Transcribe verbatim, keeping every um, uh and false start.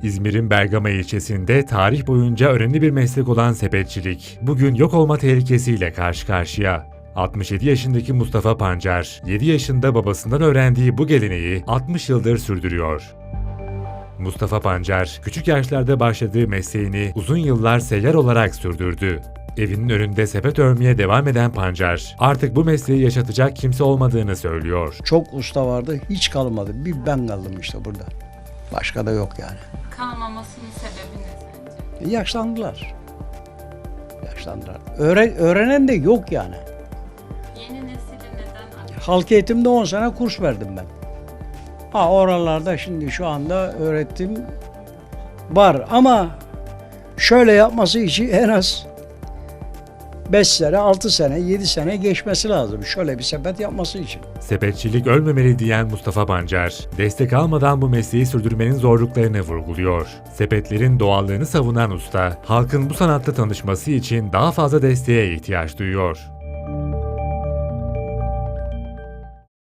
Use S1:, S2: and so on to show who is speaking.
S1: İzmir'in Bergama ilçesinde tarih boyunca önemli bir meslek olan sepetçilik, bugün yok olma tehlikesiyle karşı karşıya. altmış yedi yaşındaki Mustafa Pancar, yedi yaşında babasından öğrendiği bu geleneği altmış yıldır sürdürüyor. Mustafa Pancar, küçük yaşlarda başladığı mesleğini uzun yıllar seyyar olarak sürdürdü. Evinin önünde sepet örmeye devam eden Pancar, artık bu mesleği yaşatacak kimse olmadığını söylüyor.
S2: Çok usta vardı, hiç kalmadı. Bir ben kaldım işte burada. Başka da yok yani.
S3: Kalmamasının sebebi ne sence?
S2: Yaşlandılar. Yaşlandılar. Öğre- öğrenen de yok yani.
S3: Yeni nesili neden acaba?
S2: Halk eğitimde on sene kurs verdim ben. Ha oralarda şimdi şu anda öğretim var ama şöyle yapması için en az beş sene, altı sene, yedi sene geçmesi lazım. Şöyle bir sepet yapması için.
S1: Sepetçilik ölmemeli diyen Mustafa Pancar, destek almadan bu mesleği sürdürmenin zorluklarını vurguluyor. Sepetlerin doğallığını savunan usta, halkın bu sanatta tanışması için daha fazla desteğe ihtiyaç duyuyor.